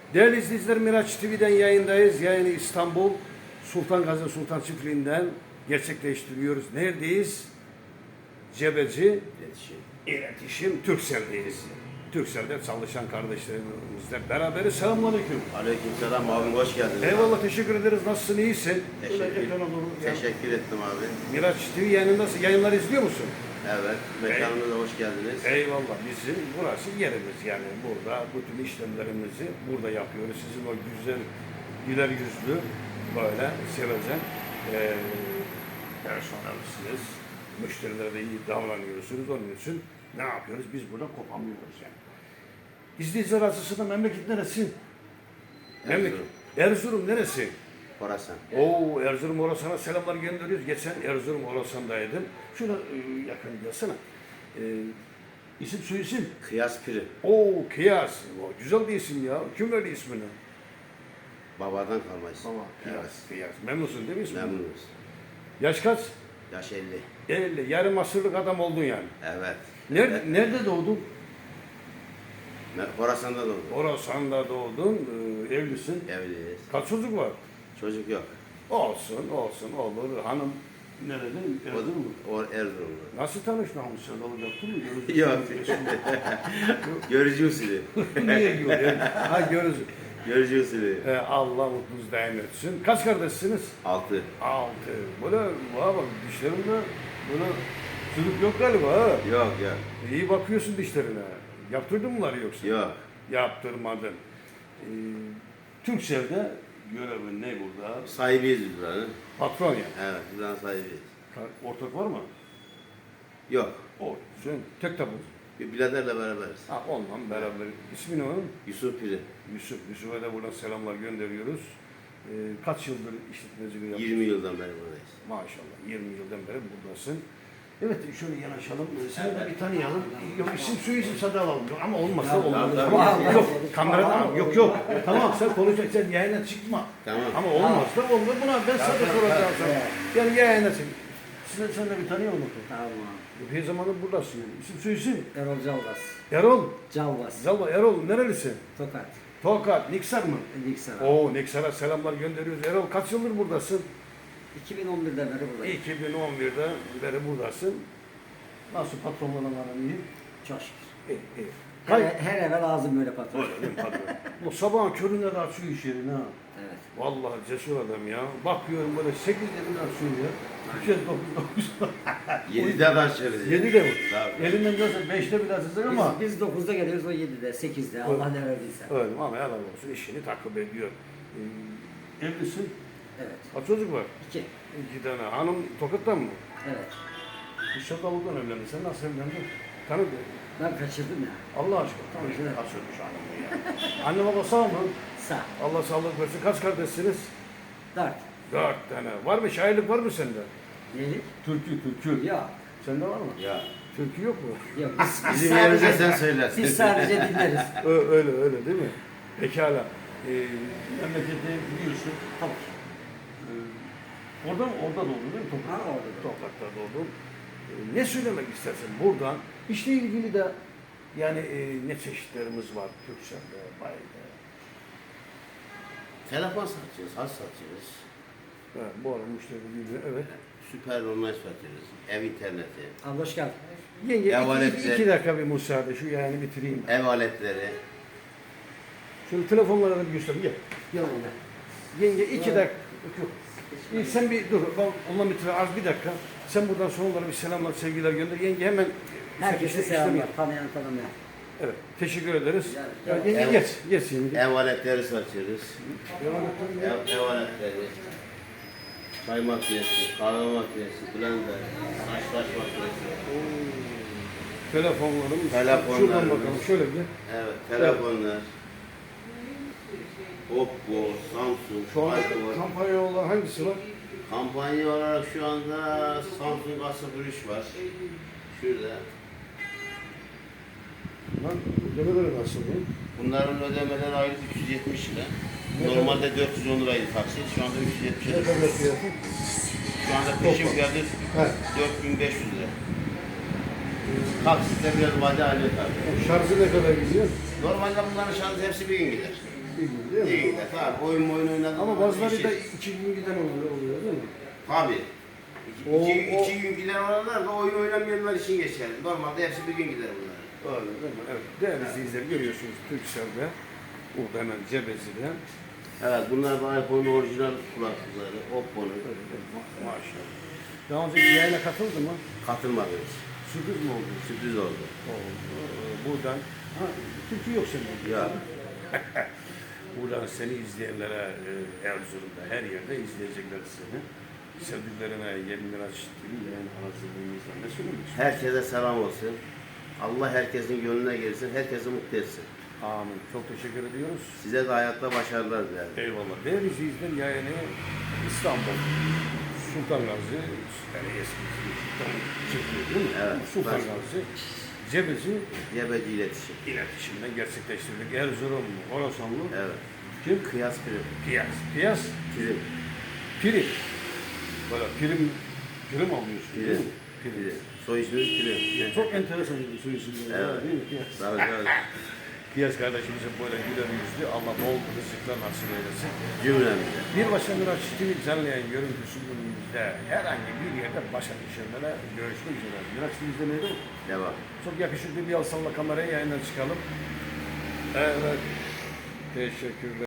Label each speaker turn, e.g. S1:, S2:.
S1: Değerli izleyiciler, Miraç TV'den yayındayız. Yayını İstanbul Sultan Gazi Sultan Çiftliği'nden gerçekleştiriyoruz. Neredeyiz? Cebeci İletişim Turkcell'deyiz. Turkcell'de çalışan kardeşlerimizle beraberiz. Selamünaleyküm.
S2: Aleykümselam abi, hoş geldiniz.
S1: Eyvallah, teşekkür ederiz. Nasılsın, iyisin?
S2: Teşekkür ettim abi.
S1: Miraç TV yayınındasın. Yayınları izliyor musun?
S2: Evet, mekanımıza hoş geldiniz.
S1: Eyvallah, bizim burası yerimiz yani burada bütün işlemlerimizi burada yapıyoruz. Sizin o güzel, güler yüzlü, böyle sevecen personelsiniz. Müşterilere de iyi davranıyorsunuz. Onun için ne yapıyoruz? Biz burada kopamıyoruz yani. İzleyiciler arasında memleket neresi?
S2: Erzurum.
S1: Erzurum neresi?
S2: Horasan.
S1: Oo, Erzurum Orasan'a selamlar gönderiyoruz. Geçen Erzurum Orasan'daydım. Şuna yakın gelsene. İsim soyisim?
S2: Kıyas Piri.
S1: Oo, Kıyas. O, güzel bir isim ya. Kim verdi ismini?
S2: Babadan kalma isim.
S1: Baba, Kıyas.
S2: Evet.
S1: Kıyas. Memnunsun değil mi ismini?
S2: Memnunuz.
S1: Yaş kaç?
S2: Yaş 50.
S1: 50. Yarım asırlık adam oldun yani.
S2: Evet.
S1: Nerede doğdun?
S2: Horasan'da doğdum.
S1: Orasan'da doğdun. Evlisin.
S2: Evliyiz.
S1: Kaç çocuk var?
S2: Çocuk yok.
S1: Olsun, olur. Hanım nerede? Erzurum mu?
S2: O Erzurumlu.
S1: Nasıl tanıştın? Hanım sevdalık yaptın mı?
S2: Yok. Görücü usulü.
S1: Niye görüyorsun? Ha, görürsün.
S2: Görücü usulü.
S1: Allah mutlunuz daim etsin. Kaç kardeşsiniz?
S2: 6.
S1: 6. Böyle bak dişlerinde böyle çocuk yok galiba ha.
S2: Yok yok.
S1: İyi bakıyorsun dişlerine. Yaptırdın mı bunları yoksa?
S2: Yok.
S1: Yaptırmadın. Turkcell'de görevin ne burada?
S2: Sahibiyiz biz buranın.
S1: Patron yani.
S2: Evet, biz buranın sahibiyiz.
S1: Ortak var mı?
S2: Yok.
S1: O. Sen tek tabu.
S2: Bir biraderle beraberiz.
S1: Ha, onunla beraber. İsmi ne onun?
S2: Yusuf Piri.
S1: Yusuf'a da buradan selamlar gönderiyoruz. Kaç yıldır işletmeciliği yapıyorsun?
S2: 20 yıldan beri buradayız.
S1: Maşallah 20 yıldan beri buradasın. Evet, şöyle yanaşalım. Seni de bir tanıyalım. Yok, isim soyisim sada alalım. Ama olmazsa olmaz. Tamam. Yok, kamerada yok. Tamam, sen konuşacaksın, sen yayına çıkma.
S2: Tamam.
S1: Ama olmazsa olmaz. Buna ben sana soracağım sana. Yani yayına çık. Sen de bir tanıyalım.
S3: Tamam.
S1: Her zamanı buradasın yani. İsim soyisim?
S3: Erol Calvas.
S1: Erol.
S3: Calvas.
S1: Zalba Erol nerelisin?
S3: Tokat.
S1: Tokat, Niksar mı?
S3: Niksar.
S1: Oo, Niksar'a selamlar gönderiyoruz. Erol kaç yıldır buradasın?
S3: 2011'den beri buradayım.
S1: 2011'den beri buradasın. Nasıl patronlarla aran iyi?
S3: Çok şükür.
S1: İyi.
S3: Her eve lazım böyle patron.
S1: Öyle değil mi patron? Bu sabahın köründe de açıyor iş yerini ha.
S3: Evet.
S1: Vallahi cesur adam ya. Bakıyorum böyle 8 yerinde açıyor ya. 2 9
S2: 7'de açıyoruz.
S1: 7'de mi?
S2: Tabii.
S1: Elinden görsen 5'te bile açacak ama.
S3: Biz 9'da geliyoruz, o 7'de, 8'de. Allah ne verdiyse.
S1: Öyle ama helal olsun, işini takip ediyor. Evlisin.
S3: Evet.
S1: Kaç çocuk var?
S3: 2.
S1: 2 tane. Hanım Tokat'tan mı?
S3: Evet.
S1: Bu Şakalı'dan evlendi. Sen nasıl evlendin? Tanıdın.
S3: Ben kaçırdım ya.
S1: Allah aşkına. Tanıdın.
S3: Evet.
S1: Kaçırmış hanımı ya. Anne baba sağ mı?
S3: Sağ.
S1: Allah sağlık versin. Kaç kardeşsiniz?
S3: 4.
S1: 4 tane. Var mı? Şairlik var mı sende?
S3: Neydi?
S1: Türkü.
S3: Yok.
S1: Sende var mı?
S2: Ya.
S1: Türkü yok mu?
S3: Yok.
S2: Bizim yerimize sen söylersin.
S3: Biz sadece dinleriz.
S1: Öyle değil mi? Pekala. Memlekette biliyorsun.
S3: Tabii.
S1: Orada doğdun değil mi?
S3: Ha, orada doğdum.
S1: Toprakta doğdun. Ne söylemek istersin buradan? İşle ilgili de yani ne çeşitlerimiz var Turkcell'de, Bay'da.
S2: Telefon satıyoruz, has satıyoruz.
S1: Evet, bu arada müşteri geliyor, evet.
S2: Süper online satıyoruz. Ev interneti,
S3: Abi hoş geldin.
S1: Yenge
S2: Ev
S1: iki
S2: aletleri.
S1: dakika bir müsaade, şu yayını bitireyim.
S2: ev aletleri.
S1: Şöyle telefonlara da bir göstereyim, gel.
S3: Yok öyle.
S1: Yenge 2 dakika, yok. Sen bir dur, onunla bitir, az bir dakika. Sen buradan son olarak bir selamlar, sevgiler gönder. Yenge hemen...
S3: Herkese selamlar. Tanıyan tanımayan.
S1: Evet, teşekkür ederiz.
S3: Ya,
S1: Ya, yenge
S2: ev-
S1: geç yenge.
S2: Ev aletleri satıyoruz.
S1: Devam et.
S2: Ev aletleri. Çay makinesi, kahve makinesi, blender, saç makinesi.
S1: Telefonlarımız.
S2: Telefonlarımız.
S1: Şuradan bakalım, şöyle bir.
S2: Evet, telefonlar. Oppo, Samsung,
S1: Şu anda
S2: iPhone.
S1: kampanya olan hangisi var?
S2: Kampanya olarak şu anda Samsung A03 var. Şurada.
S1: Lan ödemeleri nasıl bu?
S2: Bunların ödemeleri aylık 370 lira. Normalde 410 liraydı taksit. Şu anda 370
S1: Ne
S2: lira.
S1: kadar fiyatı?
S2: Şu anda peşin fiyatı
S1: He.
S2: 4500 lira. Taksitle biraz vade haline tabii.
S1: Şarjı ne kadar gidiyor?
S2: Normalde bunların şarjı hepsi bir gün gider.
S1: Bir gün.
S2: abi. Oyun oynadım.
S1: Ama bazıları da 2 gün giden oluyor değil mi?
S2: Tabii.
S1: O-
S2: İki gün giden olanlar da oyun oynamayanlar için geçerli. Normalde hepsi bir gün gider bunlar.
S1: Öyle değil mi? Evet. Değerli izleyiciler görüyorsunuz Türkcell'de. Burada hemen Cebezi'de.
S2: Evet, bunlar da iPhone'un orijinal kulaklıkları. Oppo'nun.
S1: Maşallah. Daha önce yayına katıldı mı?
S2: Katılmadınız.
S1: Sürpriz mi oldu?
S2: Sürpriz oldu.
S1: Buradan, Türkiye yok senin.
S2: Ya.
S1: Buradan seni izleyenlere Erzurum'da her yerde izleyecekler seni. Sevdiklerine yeminler açtığını yayın aracılığımızla ne söylüyorsun?
S2: Herkese selam olsun. Allah herkesin gönlüne gelsin, herkesi mutlu etsin.
S1: Amin. Çok teşekkür ediyoruz.
S2: Size de hayatta başarılar dilerim.
S1: Eyvallah. Değerli izleyiciler yayını İstanbul, Sultan Gazi, yani eski Sultan çekiyor değil mi?
S2: Evet.
S1: Sultan Gazi, Cebeci
S2: Cebeci iletişim.
S1: iletişimden gerçekleştirdik. Erzurum, Orasanlı,
S2: Evet.
S1: kim?
S2: Kıyas prim.
S1: Piyas. Piyas,
S2: Prim.
S1: prim. Böyle prim alıyorsun değil
S2: Prim.
S1: mi?
S2: Prim. Soy isminiz prim.
S1: Yani çok enteresan bir soy isimleri
S2: Evet.
S1: var değil mi? Piyas.
S2: Tabii tabii.
S1: Piyas kardeşimizin böyle güler yüzlü, Allah bol rızıklar nasip eylesin.
S2: Cümlemize.
S1: Bir başka Miraç TV canlı yayın görüntüsünde herhangi bir yerde başa düşenlere görüşmek üzere. Miraç TV izlemeyi
S2: Devam.
S1: çok yakışıklı bir alsalla kameraya yayından çıkalım. Evet. Teşekkürler.